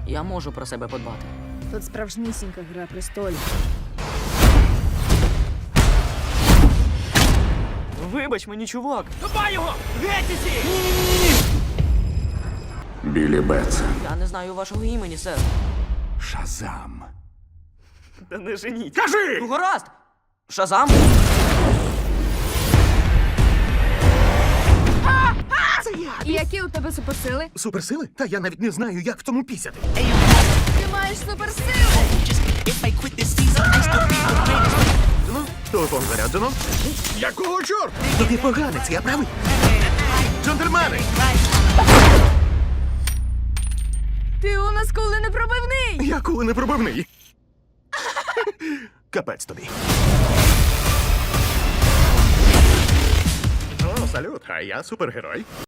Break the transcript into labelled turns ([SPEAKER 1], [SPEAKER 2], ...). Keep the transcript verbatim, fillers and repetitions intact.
[SPEAKER 1] Я можу про себе подбати.
[SPEAKER 2] Тут справжнісінька гра престолів.
[SPEAKER 1] Вибач мені, чувак.
[SPEAKER 3] Хапай його! Геть усі!
[SPEAKER 4] Білі Бетс.
[SPEAKER 1] Я не знаю вашого імені, сер.
[SPEAKER 4] Шазам.
[SPEAKER 1] Та не женіть.
[SPEAKER 4] Кажи!
[SPEAKER 1] Ну, гаразд! Шазам?
[SPEAKER 2] І які у тебе суперсили?
[SPEAKER 5] Суперсили? Та я навіть не знаю, як в тому пісяти.
[SPEAKER 2] Ти маєш суперсили!
[SPEAKER 5] Ну, телефон заряджено. Якого чорта? Тобі поганець, я правий. Джентльмени!
[SPEAKER 2] Ти у нас коли не пробивний!
[SPEAKER 5] Я коли не пробивний. Капець тобі. О, салют, а я супергерой.